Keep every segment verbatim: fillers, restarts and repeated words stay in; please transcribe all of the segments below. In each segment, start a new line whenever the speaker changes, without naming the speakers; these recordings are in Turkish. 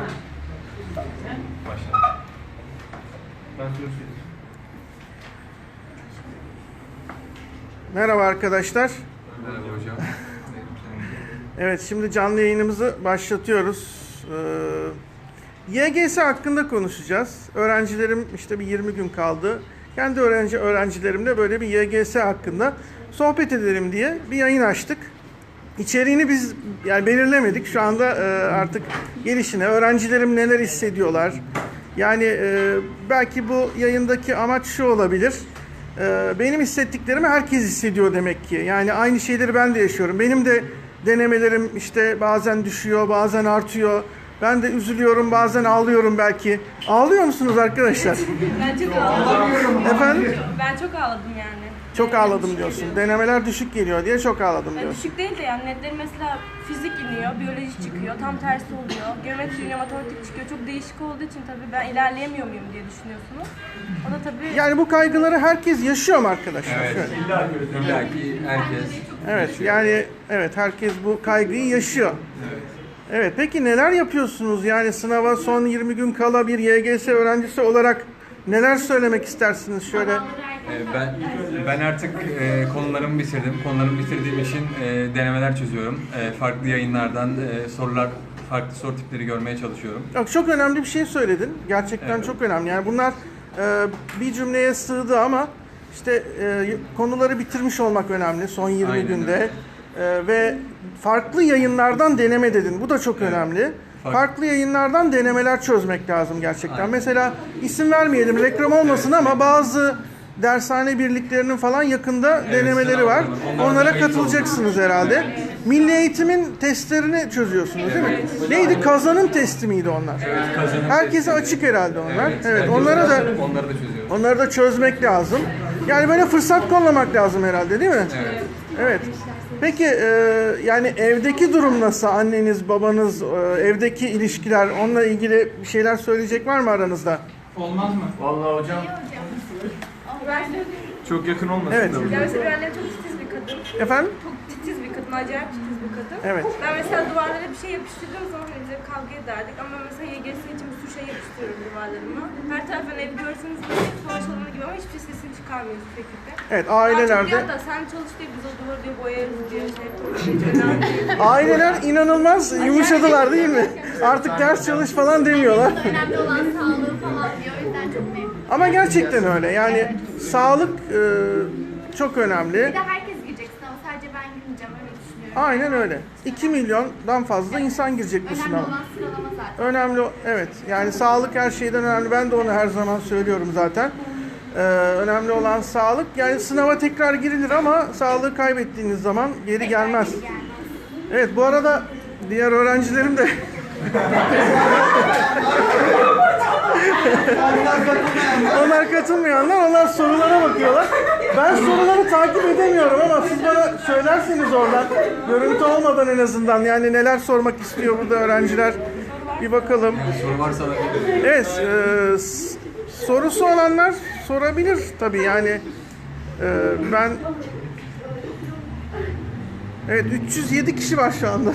Başla. Ben söz
Merhaba arkadaşlar.
Merhaba hocam.
Evet, şimdi canlı yayınımızı başlatıyoruz. Ee, Y G S hakkında konuşacağız. Öğrencilerim işte bir yirmi gün kaldı. Kendi öğrenci öğrencilerimle böyle bir Y G S hakkında sohbet edelim diye bir yayın açtık. İçeriğini biz yani belirlemedik. Şu anda e, artık gelişine öğrencilerim neler hissediyorlar. Yani e, belki bu yayındaki amaç şu olabilir. E, benim hissettiklerimi herkes hissediyor demek ki. Yani aynı şeyleri ben de yaşıyorum. Benim de denemelerim işte bazen düşüyor, bazen artıyor. Ben de üzülüyorum, bazen ağlıyorum belki. Ağlıyor musunuz arkadaşlar?
Ben çok ağladım.
Efendim?
Ben çok ağladım yani.
Çok ağladım diyorsun. Denemeler düşük geliyor diye çok ağladım
Yani
diyorsun.
düşük değil de yani netleri mesela fizik iniyor, biyoloji çıkıyor, tam tersi oluyor. Geometri iniyor, matematik çıkıyor. Çok değişik olduğu için tabii ben ilerleyemiyor muyum diye düşünüyorsunuz. O da tabii...
Yani bu kaygıları herkes yaşıyor mu arkadaşlar?
Evet.
Şöyle.
İlla ki herkes.
Evet, yani evet herkes bu kaygıyı yaşıyor. Evet, peki neler yapıyorsunuz? Yani sınava son yirmi gün kala bir Y G S öğrencisi olarak neler söylemek istersiniz şöyle?
Ee, Ben ben artık e, konularımı bitirdim. Konularımı bitirdiğim için e, denemeler çözüyorum. E, farklı yayınlardan e, sorular, farklı soru tipleri görmeye çalışıyorum.
Yok, çok önemli bir şey söyledin. Gerçekten
Evet.
çok önemli. Yani bunlar e, bir cümleye sığdı ama işte e, konuları bitirmiş olmak önemli son yirmi
Aynen
günde.
öyle.
E, ve farklı yayınlardan deneme dedin. Bu da çok
Evet.
önemli.
Farklı.
Farklı yayınlardan denemeler çözmek lazım gerçekten.
Aynen.
Mesela isim vermeyelim, reklam olmasın ama bazı dershane birliklerinin falan yakında
Evet,
denemeleri
sınav
var.
var. Onlara
Onlara
da kayıt
katılacaksınız herhalde. Milli Eğitim'in testlerini çözüyorsunuz değil mi? Neydi? Kazanım testi miydi onlar?
Evet, kazanım
Herkese
testleri.
açık herhalde onlar. Evet,
herkes
onlara da
onları da çözüyoruz.
onları da çözmek lazım. Yani böyle fırsat kollamak lazım herhalde değil mi?
Evet.
Evet. Peki e, yani evdeki durum nasıl? Anneniz, babanız, e, evdeki ilişkiler, onunla ilgili bir şeyler söyleyecek var mı aranızda?
Olmaz mı? Vallahi hocam çok yakın olmasın
Evet.
da
Ya
hocam.
mesela annem çok titiz bir kadın.
Efendim?
Çok titiz bir kadın, acayip titiz bir kadın.
Evet.
Ben mesela duvarlara bir şey yapıştırdığım zaman hani bize kavga ederdik ama mesela Y G S için bir sürü şey yapıştırıyorum duvarlarıma. Her taraftan evi görseniz böyle hep savaş alanı gibi ama hiçbir sesini çıkarmıyoruz bu şekilde.
Evet,
Daha çok
ailelerde
diyor da sen çalış diye biz o duvarı diyor boyarız diyor şey yapıyoruz.
aileler inanılmaz yumuşadılar değil mi? Artık ders çalış falan demiyorlar.
Önemli olan sağlığı falan diyor. O yüzden çok memnunum.
Ama gerçekten öyle. Yani sağlık e, çok önemli.
Bir de herkes girecek sınava. Sadece ben girmeyeceğim. Öyle düşünüyorum.
Aynen öyle. iki milyondan fazla insan girecek bu
Önemli
sınava.
olan sıralama zaten.
Önemli, o- evet. Yani sağlık her şeyden önemli. Ben de onu her zaman söylüyorum zaten. Ee, önemli olan sağlık. Yani sınava tekrar girilir ama sağlığı kaybettiğiniz zaman geri gelmez. Evet, bu arada diğer öğrencilerim de onlar katılmayanlar, onlar sorulara bakıyorlar. Ben soruları takip edemiyorum ama siz bana söylerseniz oradan, görüntü olmadan en azından, yani neler sormak istiyor burada öğrenciler, bir bakalım.
Soru varsa da
Evet, e, s- sorusu olanlar sorabilir tabii yani. E, ben evet üç yüz yedi kişi var şu anda.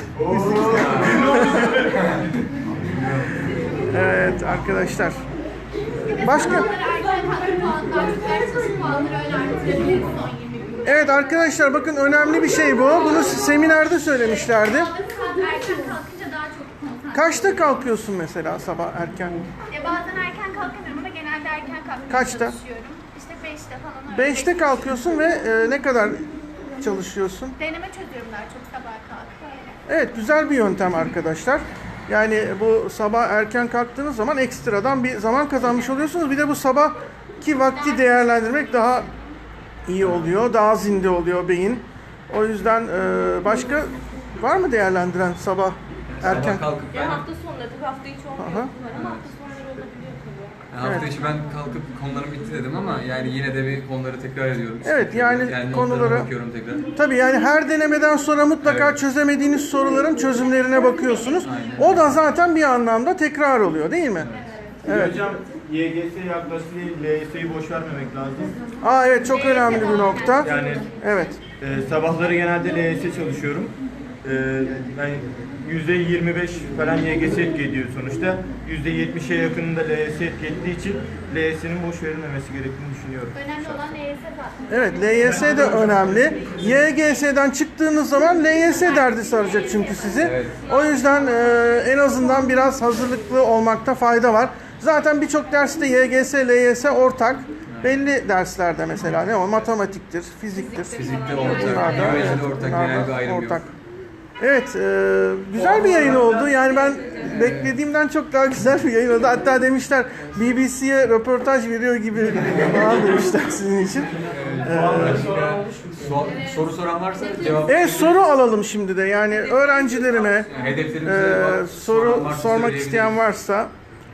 Evet arkadaşlar. Başka?
Sınavları erken kalkıp puanlar, ders çalışıp puanları öyle arttırabiliriz son yirmi günde.
Evet arkadaşlar, bakın önemli bir şey bu. Bunu seminerde söylemişlerdi.
Sınavları saat erken kalkınca daha çok konsantre.
Kaçta kalkıyorsun mesela sabah erken?
E, bazen erken kalkamıyorum ama genelde erken kalkmaya
Kaçta?
çalışıyorum. İşte beşte falan öyle.
beşte kalkıyorsun ve e, ne kadar çalışıyorsun?
Deneme çözüyorum daha çok sabah kalkıp öyle.
Evet, güzel bir yöntem arkadaşlar. Yani bu sabah erken kalktığınız zaman ekstradan bir zaman kazanmış oluyorsunuz. Bir de bu sabahki vakti değerlendirmek daha iyi oluyor. Daha zinde oluyor beyin. O yüzden e, başka var mı değerlendiren sabah erken?
sabah kalkıp ben
Ya hafta sonları tabii hafta içi olmuyor
Aha.
bunlar ama hafta sonları olabiliyor tabii.
hafta içi ben kalkıp konularım bitti dedim ama yani yine de bir konuları tekrar ediyorum.
Evet, yani
notlarıma
konuları-
bakıyorum tekrar.
Tabii yani her denemeden sonra mutlaka
Evet.
çözemediğiniz soruların çözümlerine bakıyorsunuz. O da zaten bir anlamda tekrar oluyor değil mi? Evet.
Hocam Y G S yaklaştı diye L Y S'yi boş vermemek lazım.
Aa evet, çok önemli bir nokta.
Yani
Evet.
e, sabahları genelde L Y S çalışıyorum. E, ben yüzde yirmi beş falan Y G S etki ediyor sonuçta. yüzde yetmişe yakınında L Y S etki ettiği için L Y S'nin boş verilmemesi gerektiğini düşünüyorum.
Önemli olan L Y S zaten.
Evet, L Y S de önemli. Y G S'den çıktığınız zaman L Y S derdi saracak çünkü sizi.
Evet.
O yüzden e, en azından biraz hazırlıklı olmakta fayda var. Zaten birçok derste Y G S, L Y S ortak. Belli derslerde mesela ne o? Matematiktir, fiziktir.
Fizikte
Bunlar
ortak,
da-
biyolojide ortak,
bunlar
genel
da
bir ayrım yok.
ortak. Evet, e, güzel bir yayın oldu. Yani ben beklediğimden çok daha güzel bir yayın oldu. Hatta demişler B B C'ye röportaj veriyor gibi falan demişler sizin için.
So- soru soran varsa cevap.
Evet, soru alalım şimdi de. Yani öğrencilerime
Hedeflerimize
e,
bak-
soru
soran varsa
sormak
söyleyebiliriz.
isteyen varsa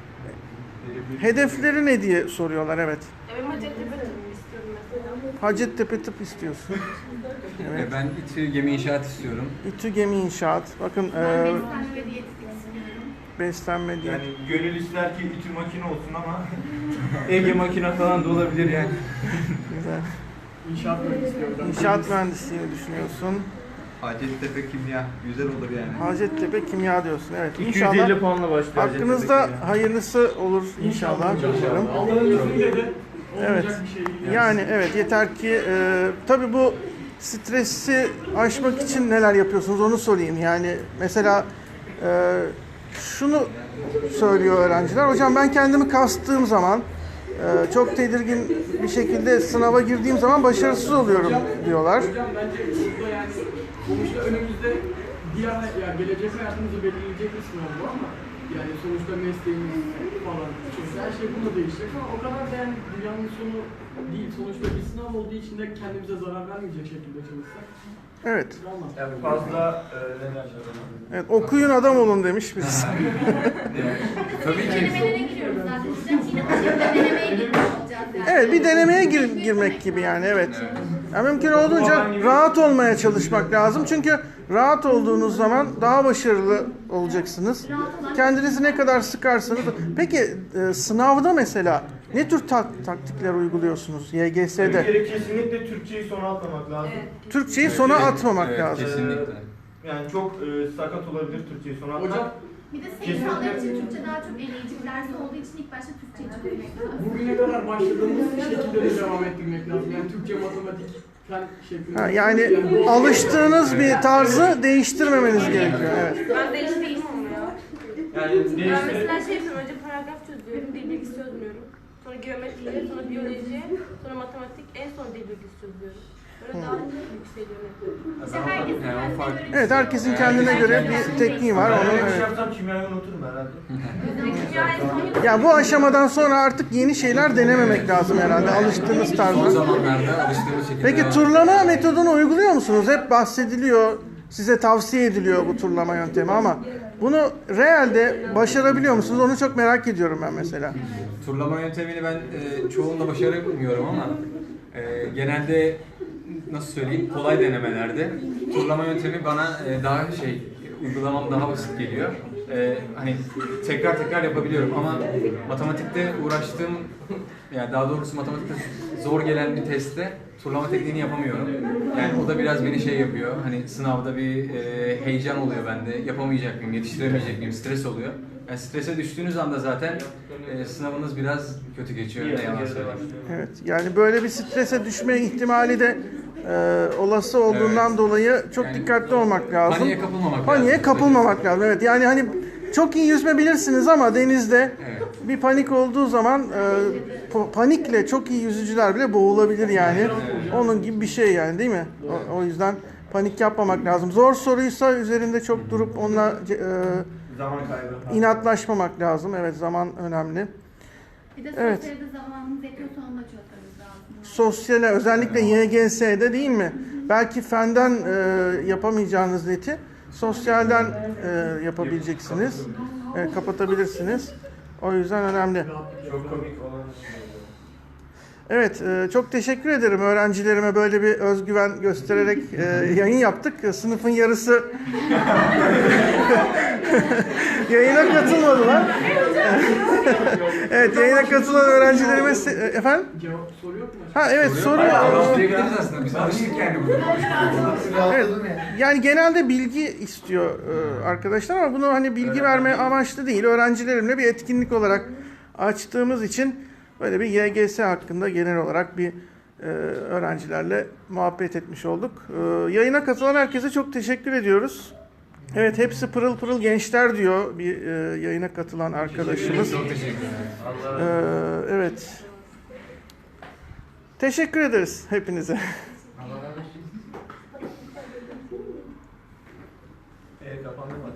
hedefleri ne diye soruyorlar, evet.
Ben Hacettepe tıbbı istiyorum mesela.
Hacettepe tıp istiyorsun.
E, Ben İTÜ Gemi İnşaat istiyorum.
İTÜ Gemi İnşaat. Bakın
Ben
e,
beslenme ve diyetetik istiyorum.
beslenme diye.
Yani gönül ister ki İTÜ makine olsun ama Ege makine falan da olabilir yani.
Güzel.
İnşaat mühendisliği.
İnşaat mühendisliğini düşünüyorsun.
Hacettepe kimya güzel olur yani.
Hacettepe kimya diyorsun. Evet.
iki yüz
İnşallah
elli puanla başlıyor.
hakkınızda
Hacettepe
hayırlısı olur inşallah. Diyorum.
Allah'ın izniyle de
Evet.
olmayacak bir şey değil.
Yani evet, yeter ki e, tabii bu stresi aşmak için neler yapıyorsunuz onu sorayım. Yani mesela e, şunu söylüyor öğrenciler. Hocam ben kendimi kastığım zaman e, çok tedirgin bir şekilde sınava girdiğim zaman başarısız oluyorum diyorlar.
Hocam bence burada yani sonuçta önümüzde diğer ya gelecek hayatımızı belirleyecek bir sınav bu ama yani sonuçta mesleğimiz falan çünkü her şey bununla değişecek ama o kadar da yani dünyanın sonu değil. Sonuçta bir sınav olduğu için de kendimize zarar vermeyecek şekilde çalışsak
Evet.
olmaz.
Yani fazla e, ne derler ona?
Evet, okuyun adam olun demiş birisi.
Tabii ki.
Denemelere giriyoruz zaten. Biz yine Hacettepe denemeye girmiş olacağız yani.
Evet, bir denemeye gir- girmek gibi yani, evet. Yani mümkün olduğunca rahat olmaya çalışmak lazım. Çünkü rahat olduğunuz zaman daha başarılı olacaksınız. Kendinizi ne kadar sıkarsanız. Peki e, sınavda mesela ne tür tak- taktikler uyguluyorsunuz Y G
Bir
S'de?
kere kesinlikle Türkçeyi sona atmamak lazım.
Türkçeyi sona atmamak
Evet,
lazım.
kesinlikle.
Yani çok e, sakat olabilir Türkçeyi sona atmak.
Hocam
Bir de sayısallar için Türkçe daha çok eleyici bir ders olduğu için ilk başta Türkçeyi çözmek lazım.
bugüne kadar başladığımız şekilde de devam ettirmek lazım. Yani Türkçe, matematik, fen şeklinde.
Ha, yani alıştığınız bir tarzı değiştirmemeniz gerekiyor. Evet.
Ben değiştirdim ama ya.
Yani
Ben
değiştirip
mesela şey yapıyorum, önce paragraf çözüyorum, dil bilgisi çözmüyorum. Sonra geometri, sonra biyoloji, sonra matematik, en son dil bilgisi çözüyorum. Böyle daha yükseliyorum.
İşte herkesin
Yani o
kendine
fark-
göre
Evet, herkesin kendine göre bir tekniği var.
ben
Onun,
öyle bir şey
evet.
yapsam kimyayı unuturum herhalde.
Kimya en son yapıyorum.
Ya bu aşamadan sonra artık yeni şeyler denememek lazım herhalde, alıştığınız
Son
tarzda.
zamanlarda alıştığımız şekilde
Peki
devam-
turlama metodunu uyguluyor musunuz? Hep bahsediliyor, size tavsiye ediliyor bu turlama yöntemi ama bunu realde başarabiliyor musunuz? Onu çok merak ediyorum ben mesela.
Turlama yöntemini ben e, çoğunda başaramıyorum ama e, genelde nasıl söyleyeyim kolay denemelerde turlama yöntemi bana e, daha şey uygulamam daha basit geliyor. E, hani tekrar tekrar yapabiliyorum ama matematikte uğraştığım yani daha doğrusu matematikte zor gelen bir testte turlama tekniğini yapamıyorum. Yani o da biraz beni şey yapıyor. Hani sınavda bir e, heyecan oluyor bende. Yapamayacak mıyım, yetiştiremeyecek miyim? Stres oluyor. Yani strese düştüğünüz anda zaten e, sınavınız biraz kötü geçiyor. Ne yalan söyleyeyim.
Evet, yani böyle bir strese düşme ihtimali de e, olası olduğundan
Evet.
dolayı çok
Yani
dikkatli olmak lazım.
Paniğe kapılmamak
Paniğe
lazım.
kapılmamak lazım. Evet, yani hani çok iyi yüzme bilirsiniz ama denizde
Evet.
bir panik olduğu zaman e, po- panikle çok iyi yüzücüler bile boğulabilir yani. Onun gibi bir şey yani, değil mi? O, o yüzden panik yapmamak lazım. Zor soruysa üzerinde çok durup onunla e,
Zaman kaybı.
inatlaşmamak lazım. Evet, zaman önemli.
Bir de
Evet.
sosyalde zamanımız yetiyorsa onu da çözmemiz lazım.
Sosyale, özellikle Y G S'de değil mi? Belki fenden e, yapamayacağınız neti sosyalden e, yapabileceksiniz. E, kapatabilirsiniz. O yüzden önemli.
Çok komik olan.
Evet, e, çok teşekkür ederim öğrencilerime böyle bir özgüven göstererek e, yayın yaptık. Sınıfın yarısı yayına katılmadılar. Evet, yayına katılan öğrencilerime se- efendim?
Cevap soru yok mu?
Ha evet, soru.
Cevaplayabiliriz aslında. Biz alıştık yani burada konuşmaya.
Evet, yani genelde bilgi istiyor e, arkadaşlar ama bunu hani bilgi verme amaçlı değil. Öğrencilerimle bir etkinlik olarak açtığımız için böyle bir Y G S hakkında genel olarak bir e, öğrencilerle muhabbet etmiş olduk. E, yayına katılan herkese çok teşekkür ediyoruz. Evet, hepsi pırıl pırıl gençler diyor bir e, yayına katılan arkadaşımız.
Çok teşekkür ederim.
E, evet. Teşekkür ederiz hepinize.